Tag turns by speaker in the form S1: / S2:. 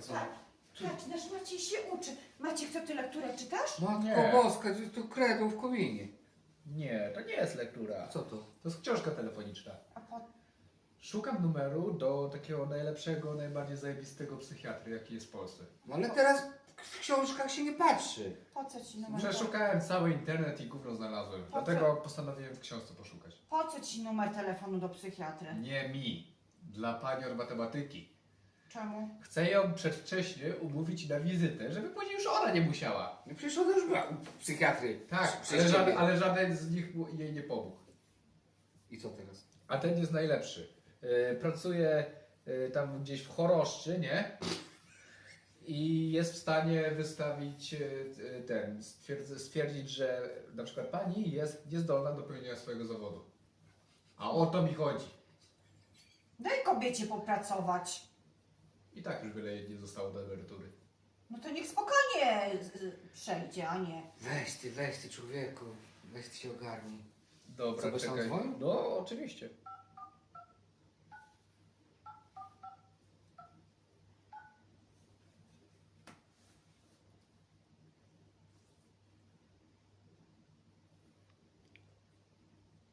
S1: co?
S2: Tak. Patrz, nasz Maciej się uczy. Maciek, co ty lekturę czytasz?
S1: Matko
S3: Nie.
S1: boska, to kredą w kominie.
S3: Nie, to nie jest lektura.
S1: Co to?
S3: To jest książka telefoniczna.
S2: A po...
S3: Szukam numeru do takiego najlepszego, najbardziej zajebistego psychiatry, jaki jest w Polsce.
S1: No ale teraz w książkach się nie patrzy.
S2: Po co ci numer?
S3: Przeszukałem cały internet i gówno znalazłem.
S2: Po co?
S3: Dlatego postanowiłem w książce poszukać.
S2: Po co ci numer telefonu do psychiatry?
S3: Nie mi. Dla pani od matematyki.
S2: Czemu?
S3: Chcę ją przedwcześnie umówić na wizytę, żeby później już ona nie musiała.
S1: No przecież ona już była u psychiatry.
S3: Tak,
S1: Przez
S3: ale,
S1: ciebie.
S3: ale żaden z nich jej nie pomógł.
S1: I co teraz?
S3: A ten jest najlepszy. Pracuje tam gdzieś w Choroszczy, nie? I jest w stanie wystawić stwierdzić, że na przykład pani jest niezdolna do pełnienia swojego zawodu. A o to mi chodzi.
S2: Daj kobiecie popracować.
S3: I tak już wiele jej nie zostało do emerytury.
S2: No to niech spokojnie przejdzie, a nie.
S1: Weź ty człowieku. Weź ty się ogarnij.
S3: Dobra,
S1: Co, byś tam
S3: czekaj.
S1: dzwonił?
S3: No, oczywiście.